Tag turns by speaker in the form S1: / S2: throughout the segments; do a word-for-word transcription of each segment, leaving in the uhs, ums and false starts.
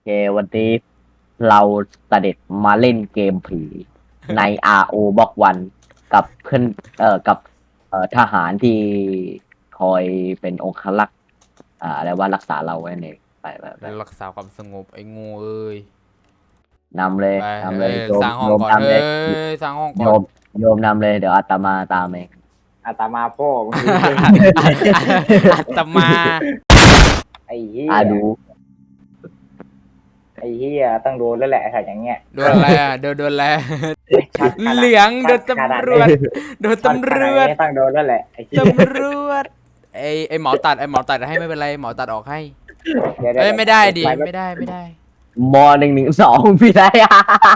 S1: เควันนี้เราเสด็จมาเล่นเกมผีใน อาร์ โอ บล็อกวันกับเพื่อนเอ่อกับเอ่อทหารที่คอยเป็นองครักษ์อ่าอะไรว่ารักษาเราไว้ในไปไปไป
S2: รักษาความสงบไอ้งูเอ้ย
S1: นำเลย
S2: ไป
S1: นำเล
S2: เอ้ย
S1: ยโยม
S2: สร้างห้
S1: โย
S2: องก่อนเอ้
S1: มนำเลย
S2: ยสร้างห้องก่อน
S1: โยมโยมนำเลยเดี๋ยวอาตมาตามเอง
S3: อาตมาพ่อมึงดูเรื่อง
S2: อัตมา
S3: ไอ้เหี้ย
S1: อาดู
S3: ไอ้เหี้ยต้องโดนแล้วแหละถ้าอย่างเงี้ย
S2: โดนอะไรอ่ะโดนโดนอะไร
S3: ชัดขนาด
S2: เหลืองโดน
S3: ชัขนา
S2: ตำรวจโดน
S3: ชัด
S2: ตำ
S3: ข
S2: ร
S3: นาด
S2: วจ
S3: นี้ต้องโดนแล้วแหละไอ้เหี้ย
S2: ตำรวจไอ้ไอ้หมอตัดไอ้หมอตัดให้ไม่เป็นไรหมอตัดออกให้
S3: เดี๋ยว
S2: เอ้ยไม่ได้ดิ
S3: ป
S2: ไม่ได้ไม่ได้
S1: มหนึ่งหนึ่งสองพี่ได้อะ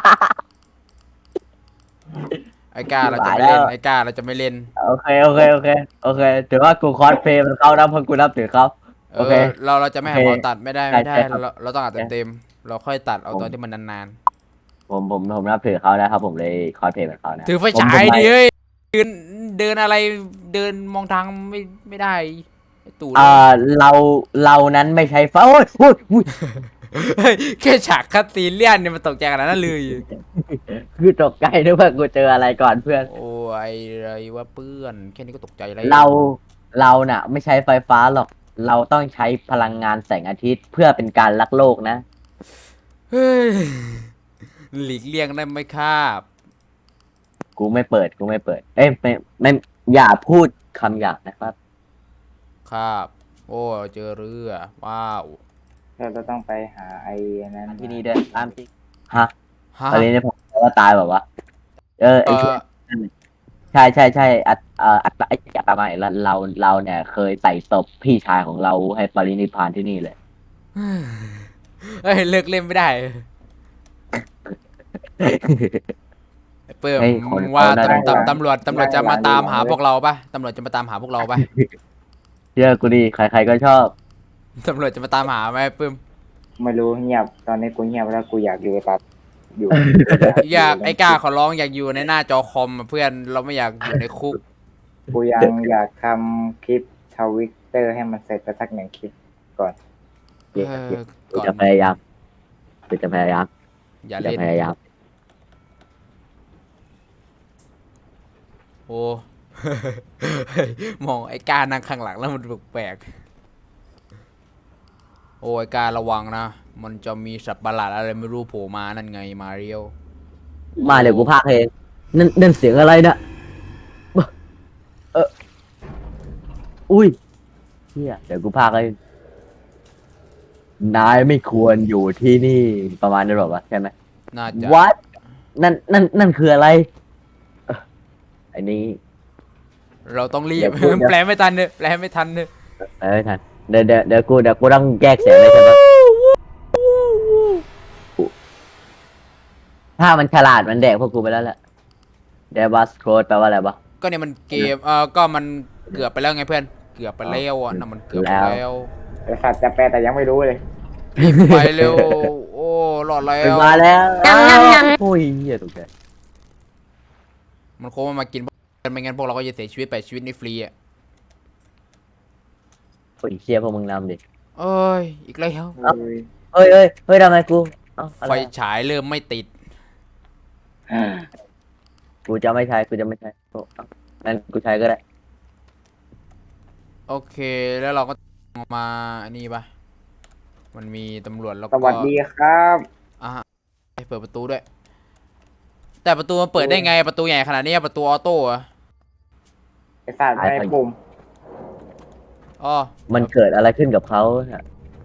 S2: ไอ้กล้าเราจะไม่
S1: ตายแล้
S2: เล่น
S1: ว
S2: ไอ้กล้าเราจะไม่เล่น
S1: โอเคโอเคโอเคโอเคถือว่ากูคอสเพลย์มันเข้านะเพราะกูนับถือเขา
S2: เอ
S1: โอเค
S2: อเราเราจะไม่ให้
S1: โอเค
S2: หมอตัดไม่ได้ไม่ได้
S1: ใช่ครับ
S2: เราเราต้องอัดเต็มๆเราค่อยตัดเอา
S1: ผม
S2: ตอนที่มันนาน
S1: ผมผมผมนับถือเขานะครับผมเลยคอสเพลย์เหมือนเขานะ
S2: ๆถือไฟ
S1: ผม
S2: ฉา
S1: ผม
S2: ย
S1: ไม่
S2: ดิเฮ้ยเดินเดินอะไรเดินมองทางไม่ไม่ได้ไอ้ตู่
S1: เอ่อเราเรานั้นไม่ใช้ฟ้าโอ้ยโอ้ยโอ้ย
S2: เฮ้ยแค่ฉากคัตซีนเลียนเนี่ยมันตกใจขนาดนั้นเลย
S1: คือตกใจนึกว่ากูเจออะไรก่อนเพื่อน
S2: โอ้ยอะไรวะเพื่อนแค่นี้ก็ตกใจแล้ว
S1: เราเราน่ะ ไม่ใช้ไฟฟ้าหรอก เราต้องใช้พลังงานแสงอาทิตย์เพื่อเป็นการรักโลกนะ
S2: เฮ้ยหลีกเลี่ยงได้ไหมครับ
S1: กูไม่เปิดกูไม่เปิด เอ้ยไม่ไม่อย่าพูดคำหยาบนะครับ
S2: ครับ โอ้เจอเรือว้าว
S3: เราจะต้องไปหาไอ้นั้น
S1: ที่นี่ด้วยตามที่ฮะ
S2: ฮะ
S1: ตอนนี้เนี่ยผมว่าตายแบบว่าเออ
S2: เอ
S1: ไอ้ช่ว
S2: อ
S1: ใช่ใช่ใช่อัตเอ่ออัตไอ้อัตมาเราเราเราเนี่ยเคยใส่ศพพี่ชายของเราให้ปรินิพพานที่นี่เลย
S2: เฮ้ยเลิกเล่นไม่ได้ไอ้เปิ้ม
S1: เฮ้ยคน
S2: ว่า
S1: เขาน่าจะ
S2: ตำตำตำรวจตำรวจจะมาตามหาพวกเราปะตำรวจจะมาตามหาพวกเราปะ
S1: เชื่อกูดิใครๆก็ชอบ
S2: ตำรวจจะมาตามหาไหมเปิ้ม
S3: ไม่รู้เงียบตอนนี้กูเงียบแล้วกูอยากอยู่กับอยู่
S2: อยากไอ้กล้าขอร้องอยากอยู่ในหน้าจอคอมอะเพื่อนเราไม่อยากอยู่ในคุก
S3: กูยังอยากทำคลิปทวิตเตอร์ให้มันเสร็จไปสักหนึ่งคลิปก่อน
S2: เออ
S1: กู
S2: ก่อน
S1: จะพยายามกูจะพยายาม
S2: อย่า
S1: จะ
S2: เล่น
S1: พยายาม
S2: โอ้ มองไอ้การนั่งข้างหลังแล้วมันแปลกๆโอ้ไอ้การระวังนะ มันจะมีสัตว์ประหลาดอะไรไม่รู้โผล่มานั่นไงมาเรียว
S1: มาเดี๋ยวกูพากย์เองนั่นนั่นเสียงอะไรนะเอออุ้ยเฮียเดี๋ยวกูพากย์ให้นายไม่ควรอยู่ที่นี่ประมาณนั้นหรอวะใช่ไหม
S2: น่าจะ
S1: What นั่นนั่นนั่นคืออะไรเอ่อไอ้นี้
S2: เราต้องรี
S1: เดี๋
S2: บ
S1: ยวพูดนะ
S2: แปลไม่ทันเนอะแปลไม่ทันเนอะ
S1: เอ้ยทันเดี๋ยวเดี๋ยวเดี๋ยวกูเดี๋ยวกูต้องแยกเสียงเลยใช่ปะถ้ามันฉลาดมันแดกพวกกูไปแล้วแหละเดบัสโคดแปลว่าอะไรวะ
S2: ก็เนี่ยมันเกมเออก็มันเกือบไปแล้วไงเพื่อน เกือบไปแล้วอ่ะน่ะมันเกือบไป
S1: แล้ว
S2: แล้ว
S3: แต่สัตว์จะแปลแต่ยังไม่รู้เลย
S2: ไปเร็ว โอ้รอดแล้
S1: ไป
S2: ว
S1: มาแล้วโอ้ยเหี้ยตกใจ
S2: มันคงไม่มากินไม่งั้นพวกเราก็จะเสียชีวิตไปชีวิตนี่ฟรีอ่ะ
S1: โอ้ยเชี่ยพวกมึงนำดิ
S2: เอ้ยอีกแล้ว
S1: เอ้า เฮ้ยเฮ้ยเฮ้ยทำไมกูเอ้าอะไร
S2: ไฟฉายเริ่มไม่ติด
S1: กูจะไม่ใช้กูจะไม่ใช้โอ้เอ้างั้นกูใช้ก็ได้
S2: โอเคแล้วเราก็มาอันนี้ปะมันมีตำรวจแล้ว
S3: ส
S2: ก็
S3: วัสดีครับ
S2: ให้เปิดประตูด้วย แต่ประตูมันเปิดได้ไงประตูใหญ่ขนาดนี้ประตูออโต้เหรอะ
S3: ไอ้สัตว์ไม่ปุ่ม
S2: อ๋อ
S1: มันเกิดอะไรขึ้นกับเขาเนี่ย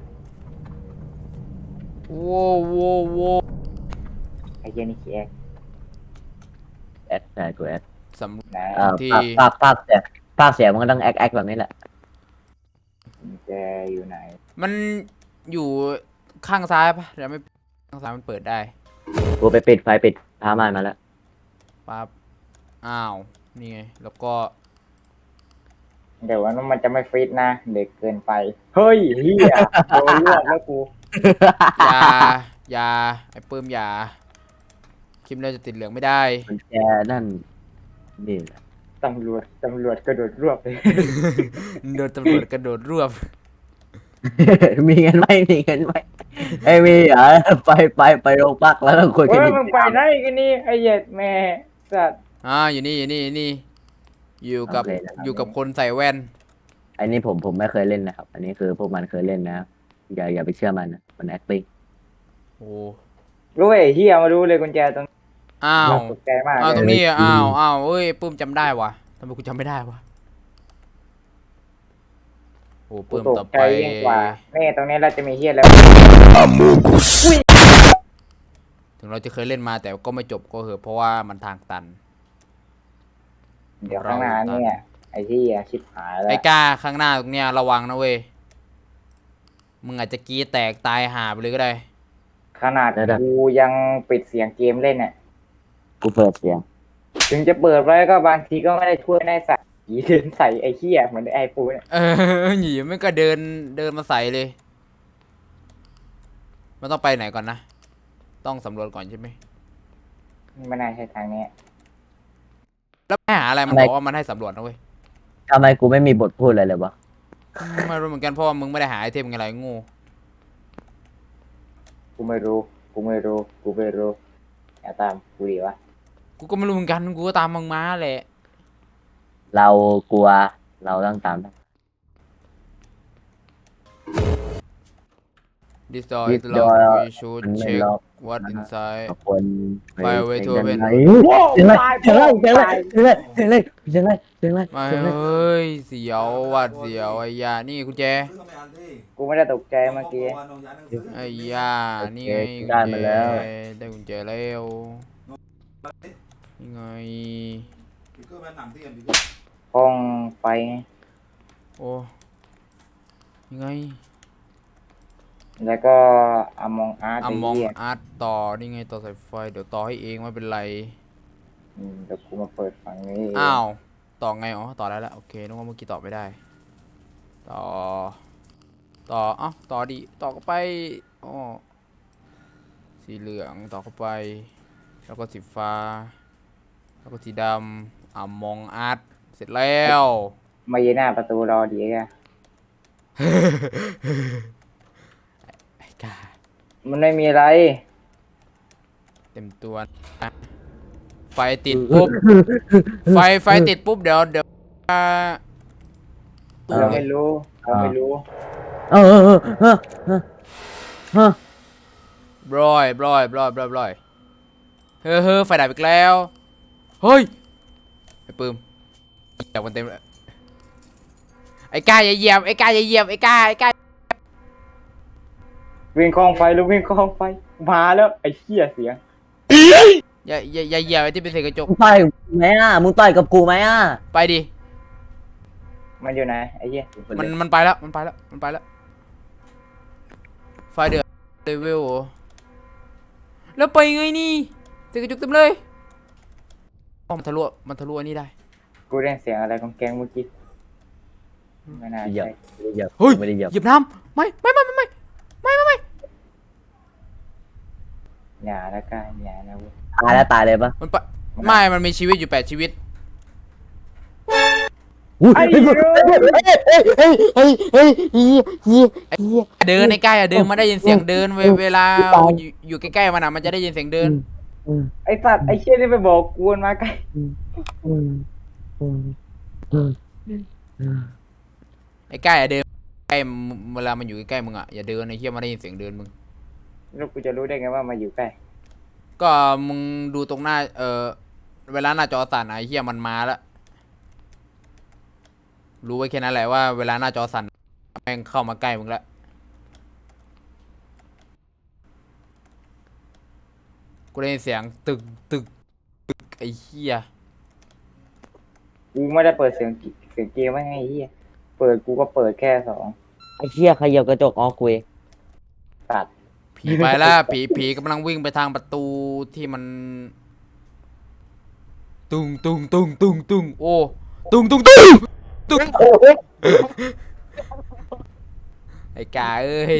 S2: โว้วโว้วโว้ว
S3: ไอ้เหี้ยนี่ขี้แอก
S1: แอดใช่กูแอด
S2: สำ
S3: ไหน
S1: เอ่อ
S2: ที่
S1: ภาคภาคภาคเสียงภาคเสียงมันก็ต้องแอคแอคแบบนี้แหละ
S3: แกอยู่ไหน
S2: มันอยู่ข้างซ้ายปะเดี๋ยวไม่ข้างซ้ายมันเปิดได้
S1: กูไปปิดไฟปิดผ้าม่านมาแล้ว
S2: ปั๊บอ้าวนี่ไงแล้วก็
S3: เดี๋ยววันนั้นมันจะไม่ฟิตนะ เด็กเกินไป เฮ้ยเฮียโดนรวบแล้วกู
S2: ยา ยาไอ้ปื้มยาคลิปเราจะติดเหลืองไม่ได้
S1: มันแกนั่นนี่แหละ
S3: ตำรวจตำรวจกระโดดรวบเลย
S2: โดนตำรวจกระโดดรวบ
S1: มีเงินไหมมีเงินไหมไอ้ยมีเหรอไปไปไปโรงพักแล้วเราคุยกัน
S3: เฮ้ย
S1: อีก
S3: มึงไปไหนกันนี่ไอ้เหย็ดแม่สัตว์
S2: อ่าอยู่นี่อยู่นี่อยู่นี่อยู่กับ
S1: โอเคนะครับ
S2: อยู่กับคนใส่แว่น
S1: อันนี้ผมผมไม่เคยเล่นนะครับ อันนี้คือพวกมันเคยเล่นนะอย่าอย่าไปเชื่อมันนะมัน acting
S2: โอ้
S3: รู้ไอ้เฮียมาดูเลยกุญแจตรง
S2: อ้าว
S3: ตกใจมาก
S2: อ้าว
S3: เล
S2: ตรง
S3: ย
S2: นี้อ่ะอ้าวอ้าวเอ้ยปื้มจำได้วะทำไมกูจำไม่ได้วะโอ้
S3: กู
S2: ปื้ม
S3: ต
S2: ต่อก
S3: ใจ
S2: ไป
S3: ยิ่งกว่านี่ตรงนี้เราจะมีเฮียแล้ว
S2: ถึงเราจะเคยเล่นมาแต่ก็ไม่จบก็เหอะเพราะว่ามันทางตัน
S3: เดี๋ยวข้างหน้าเนี่ยไอ้เฮียชิบหายแล้ว
S2: ไอ้ก้าข้างหน้าตรงเนี้ยระวังนะเว้ยมึงอาจจะกรีดแตกตายหาไปเลยก็ได้
S3: ขนาดกูยังปิดเสียงเกมเล่นเนี่ย
S1: กูเปิดเสียง
S3: ถึงจะเปิดไว้ก็บางทีก็ไม่ได้ช่วยได้ใส่ยีเดินใส่ไอ้เฮียเหมือนไอ้ปูเนี่ย
S2: เออหนีมันก็เดินเดินมาใส่เลยมันต้องไปไหนก่อนนะต้องสำรวจก่อนใช่ไหม
S3: ไม่น่าใช่ทางนี้
S2: แล้วไม่หาอะไรมัน
S1: ทำไม
S2: บอกว่ามันให้สำรวจนะเว้ย
S1: ทำไมกูไม่มีบทพูดอะไรเลยวะ
S2: ไม่รู้เหมือนกันเพราะว่ามึงไม่ได้หาไอเทมอะไรโงู
S3: กูไม่รู้กูไม่รู้กูไม่รู้อย่าตามกูดีวะ
S2: กูก็ไม่รู้เหมือนกันกูก็ตามมึงมาแหละ
S1: เรากลัวเราต้องตาม
S2: This door
S1: This
S2: is locked
S1: door
S2: we should
S1: มันไม่
S2: check
S1: ล็อก
S2: what inside
S1: คน
S2: ไปเอาไว้ทั่วเป็น
S1: ไหนเสียงอะไรเสียงอะไรเสียงอะไรเสียงอะไรเสียงอะไรเสียงอะไร
S2: ไม่
S1: เสียงอะไร
S2: เฮ้ยเสียวหวัดเสียวไอ้ยานี่กุญแจ
S3: กูไม่ได้ตกใจเมื่อกี้
S2: ไอ้ยานี่ไง
S1: ได้มาแล้ว
S2: ได้กุญแจแล้วนี่ไง
S3: ห้องไฟ
S2: โอ้ยังไง
S3: แล้วก็อมองอาร์ต
S2: อ่ะ
S3: ไอ้
S2: มอง
S3: เหี้ย
S2: อาร์ตต่อนี่ไงต่อสายไฟเดี๋ยวต่อให้เองไม่เป็นไร
S3: อืมเดี๋ยวกูมาเปิดฝั่งนี้เง
S2: อ้าวต่อไงอ๋อต่อได้แล้วโอเคนึกว่าเมื่อกี้ต่อไม่ได้ ต่อ ต่อเอ้าต่อดิต่อเข้าไปอ๋อสีเหลืองต่อเข้าไป แล้วก็สีฟ้า แล้วก็สีดำอ่ะมองอาร์ตเสร็จแล้ว
S3: มายืนหน้าประตูรอดีแก
S2: ไอ้กา
S3: มันไม่มีอะไร
S2: เต็มตัวนะไฟติดปุ๊บ ไฟไฟติดปุ๊บเดี๋ยวเดี๋ยวอ่า
S3: เราไม่รู้เราไม่รู้
S1: เออเออเออเออเออเออบ
S2: รอยบรอยบรอยบรอยบรอยเฮ้อเฮ้อไฟดับอีกแล้ว เฮ้ย ไอ้ปื้มเหยียบมันเต็มเลยไอ้ก้าอย่าเหยียบ ไอ้ก้าอย่าเหยียบ ไอ้ก้าไอ้ก้า
S3: วิ่งคลองไฟลูกวิ่งคลองไฟมาแล้วไอ้เหี้ยเสียง
S2: อย่าอย่าอย่าเหยียบไอ้ที่เป็นเศษกระจก
S1: มึงต่อยกับกูไหมอ่ะมึงต่อยกับกูไหมอ่ะ
S2: ไปดิ
S3: มันอยู่ไหนไอ้เหี้ย
S2: มันมันไปแล้ว มันไปแล้ว มันไปแล้ว ไฟเดือดเลเวลเหรอแล้วไปไงนี่เศษกระจกเต็มเลยอ๋อมันทะลุมันทะลุอันนี้ได้
S3: กูได้เสียงอะไรของแกงเมื่อกี้ไม่น่า
S1: เหยียบ
S3: ใช่
S1: ไม่ได้เหยียบ
S2: เฮ้ย
S1: ไม่ได้เหยียบ
S2: เหยียบน้ำไม่ไม่ไม่ไม่ไม่ไม่ไม่ไม่
S3: อย่าละกันอย่านะเว้ย
S1: ตายแล้วตายเลยปะ
S2: มันไปไม่ มันมีชีวิตอยู่แปดชีวิต
S1: อุ้ย
S3: ไอ้
S1: เฮ้ย
S3: เหี้ย
S1: เฮ้ยเฮ้ยเฮ้ยเฮ้ยเฮ้ยเฮ้ยเฮ้ย
S2: เดินในใกล้อะเดินมาได้ยินเสียงเดินเวเวลาอยู่อยู่ใกล้ๆมันอะมันจะได้ยินเสียงเดิน
S1: อืม
S3: ไอ้สัตว์ไอ้เชี่ยนี่ไปบอกกูมันมาใกล้
S1: อืมอืมอืมอืมอืม
S2: ไอ้ใกล้อะเดินใกล้เวลามันอยู่ใกล้ๆมึงอะอย่าเดินไอ้เหี้ยมันได้ยินเสียงเดินมึง
S3: แล้วกูจะรู้ได้ไงว่ามาอยู่ใกล้
S2: ก็มึงดูตรงหน้าเออเวลาหน้าจอสั่นอะไอ้เหี้ยมันมาแล้วรู้ไว้แค่นั้นแหละว่าเวลาหน้าจอสั่นแม่งเข้ามาใกล้มึงแล้วกูได้ยินเสียงตึกตึกตึกไอ้เหี้ย
S3: กูไม่ได้เปิดเสียงกิเสียงเกมไว้ไงไอ้เหี้ยเปิดกูก็เปิดแค่สอง
S1: ไอ้เหี้ยขยับกระจกอ๋อคุย
S3: ตัด
S2: ผีไปแล้วผีผีกำลังวิ่งไปทางประตูที่มัน ตุงตุงตุงตุงตุงโอ้ตุงตุงตุงตุงไอ้กาเอ้ย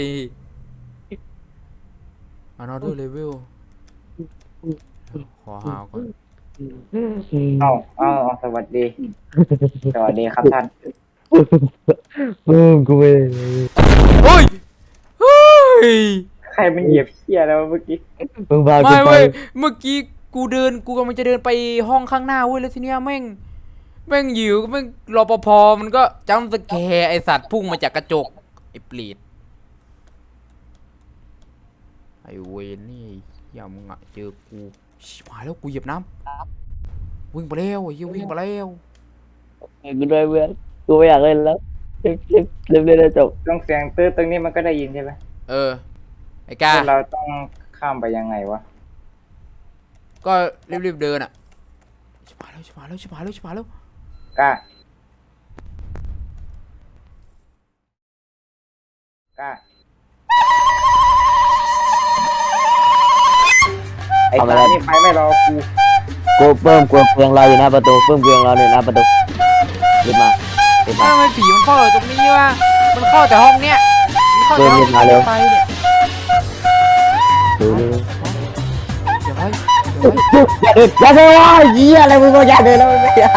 S2: another level ขอหาวก่อน
S3: เอาเอาเอาสวัสดี สวัสดีครับท่าน
S1: ปื้มกูไม่
S2: เฮ้ยเฮ้ย
S3: ใครมันเหยียบเหี้ยแล้วะเมื่อกี้
S1: มึงพากู
S2: ไม่
S1: ไป
S2: เว้ยเมื่อกี้กูเดินกูกำลังจะเดินไปห้องข้างหน้าเว้ยแล้วทีเนี้ยแม่งแม่งอยู่แม่งรปภมันก็จัมป์สแกร์ไอสัตว์พุ่งมาจากกระจกไอเปรตไอเวนนี่อย่ามึงอะเจอกูชิบหายแล้วกูเหยียบน้ำวิ่งไปแล้วไอ้เหี้ยวิ่งไปแล้ว
S1: กูด้วยเพื่อนกูไม่อยากเล่นแล้วเล่นเล่นเล่นเล่นแล้วจบ
S3: ต้องเสียงตื้อตรงนี้มันก็ได้ยินใช่ไหม
S2: เออไอ้กา
S3: แล้วเราต้องข้ามไปยังไงวะ
S2: ก็รีบๆเดินอ่ะชิบหายแล้วชิบหายแล้วชิบหายแล้วชิบหายแล้ว
S3: กล้า กล้า ไอ้ตานี่ไปไม่รอกู
S1: กูเพิ่มกูเพียงรออยู่หน้าประตูเพิ่มเพียงรออยู่หน้าประตูรีบมารีบมา
S2: ทำไมผีมันเข้าตรงนี้วะมันเข้าแต่ห้องเนี้ยมันเข้าแต่ห้อง
S1: เดินมาเร็ว
S2: ไปเนี่ย
S1: ดูดู
S2: เดี๋ยวไว้เดี๋ยวไว้
S1: อย่าเดินอย่าเดินวะเหี้ยอะไรมึงก็อย่าเดินแล้วไม่อยาก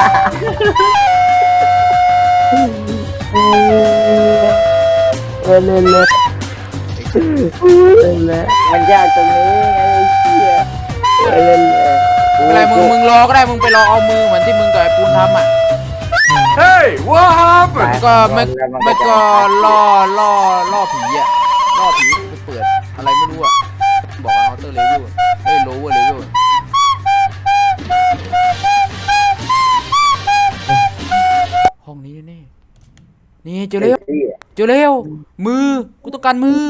S1: เล่นเล่นเล่นเล่นเล่น
S3: มันยากตรงนี้ไงไอ้เหี้ย
S1: เล่นเล่น
S2: ไม่เป็นไรมึงมึงรอก็ได้มึงไปรอเอามือเหมือนที่มึงกับไอ้ปูนทำอ่ะ Hey what happened ก็ไม่ไม่ก็ล่อล่อล่อผีอ่ะล่อผีไปเปิดอะไรไม่รู้อ่ะบอกว่า outer level เอ้ย lower level ห้องนี้แน่ๆนี่เจอแล้ว
S3: ไอ้เหี้ย
S2: เจอแล้วมือกูต้องการมือ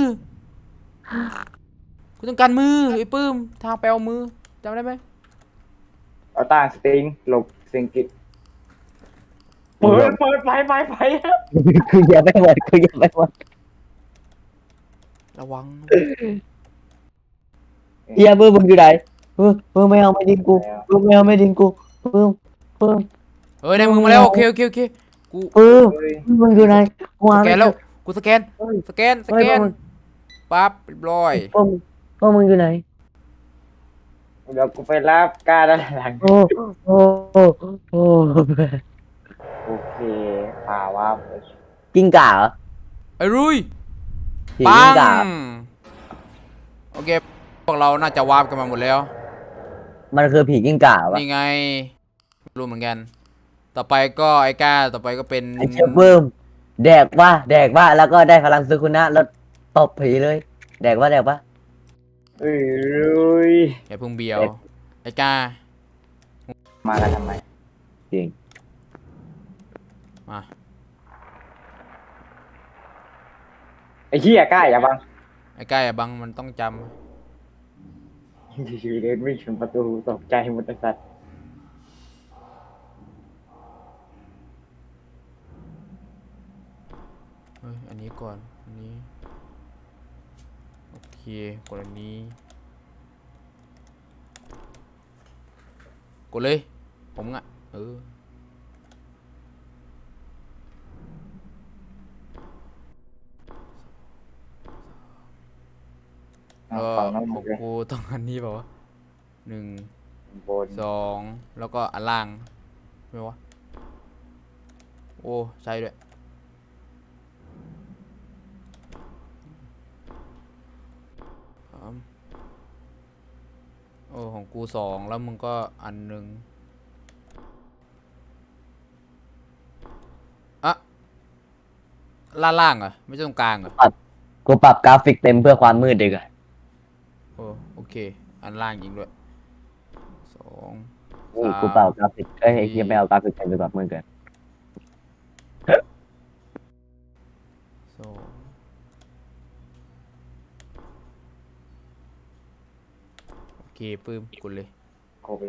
S2: กูต้องการมือไอ้ปื้มทางไปเอามือจำได้ไหม
S3: เอาตาสติงหลบเสียงกิดเปิดเปิดไปไปไป
S1: คืออย่าไปหมดคืออย่าไปหมด
S2: ระวัง
S1: เฮียเพิ่มมึงอยู่ไหนเพิ่มเพิ่มไม่เอาไม่ดิงกูเพิ่มไม่เอาไม่ดิงกูเพิ่มเพิ่ม
S2: เฮ้ยได้มือมาแล้วโอเคโอเคโอเคกู
S1: เพิ่ม
S3: เฮ้ย
S1: มึงอยู่ไหนกู
S2: ส
S1: หา
S2: แก
S1: ไม่
S2: น
S1: เจ
S2: แล้ว
S1: อ
S2: กูสแกน
S1: เฮ้ย
S2: สแกนส
S1: เฮ้ย
S2: แกน
S1: มึง
S2: ปั๊บเรียบร้อย
S1: เพิ่มเพิ่มมึงอยู่ไหน
S3: เดี๋ยวกูไปรับกล้าด้านหลัง
S1: โอ้โอ้โอ้โอ้
S3: โอเคพาว่าไป
S1: กิ้งก่าเหรอ
S2: ไอ้รุย
S1: ผี
S2: ปั
S1: กิ้ง
S2: ง
S1: ก่า
S2: โอเคพวกเราน่าจะวาร์ปกันมาหมดแล้ว
S1: มันคือผีกิ้งก่าปะ
S2: นี่ไงไม่รู้เหมือนกัน ต่อไปก็ไอ้ก้าต่อไปก็เป็น
S1: ไอเชฟเพิ่มแดกว่าแดกว่าแล้วก็ได้พลังซึคุนะแล้วตบผีเลย แดกว่าแดกว่า
S3: เอ้ย
S2: อย่าเพิ่งเบียวไอ้ก้า
S3: มากันทำไม
S1: จริง
S2: มา
S3: ไอ้เหี้ยกล้าอย่าบัง
S2: ไอ้ก้าอย่าบังมันต้องจ
S3: อยู่ๆเดินวิ่งถึงประตูตกใจหมดไอ้สัตว์
S2: ำเฮ้ยอันนี้ก่อนอันนี้โอเคกดอันนี้กดเลยผมอ่ะเออ
S3: เอา
S2: ก็
S3: ของน้อง
S2: ข
S3: หม
S2: อ
S3: ด
S2: ง
S3: เลย
S2: กูต้องอันนี้เปล่าวะหนึ่ง
S3: บน
S2: สองแล้วก็อันล่างไม่วะโอ้ใช่ด้วยสามโอ้ของกูสองแล้วมึงก็อันหนึ่งอะล่างล่างเหรอไม่ใช่ตรงกลางเหรอ
S1: กูปรับกราฟิกเต็มเพื่อความมืดดีกว่า
S2: โอ้โอเคอันล่างจริงด้วยสอง
S1: อุ้ยกูเปล่ากราฟิกเอ้ยไอ้เหี้ยไม่เอากราฟิกเต็มไปแบบมืดเกิน
S2: สองโอเคปื้มกดเลย
S3: ครบเลย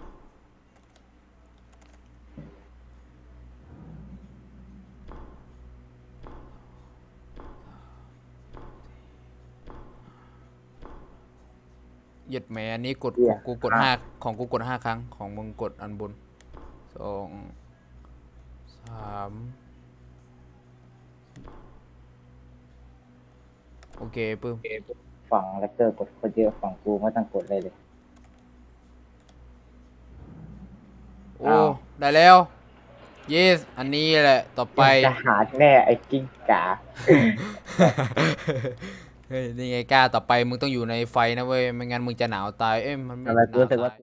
S2: เหยียดแหมอันนี้กดของกูกดห้าของกูกดห้าครั้งของมึงกดอันบนสองสามโอเคปื้ม
S3: ฝั่งแรปเตอร์กดคนเยอะฝั่งกูไม่ต้องกดเลยเลย
S2: โอ้
S3: อ้าว
S2: ได้แล้ว yes อันนี้แหละต่อไป
S3: ทหารแน่ไอ้กิ้งก่า
S2: เฮ้ยนี่ไงกล้าต่อไปมึงต้องอยู่ในไฟนะเว้ยไม่งั้นมึงจะหนาวตายเอ้ยมันไม่
S1: ทำไม
S2: ห
S1: กู
S2: นาว
S1: รู้สึกว่า
S2: ตาย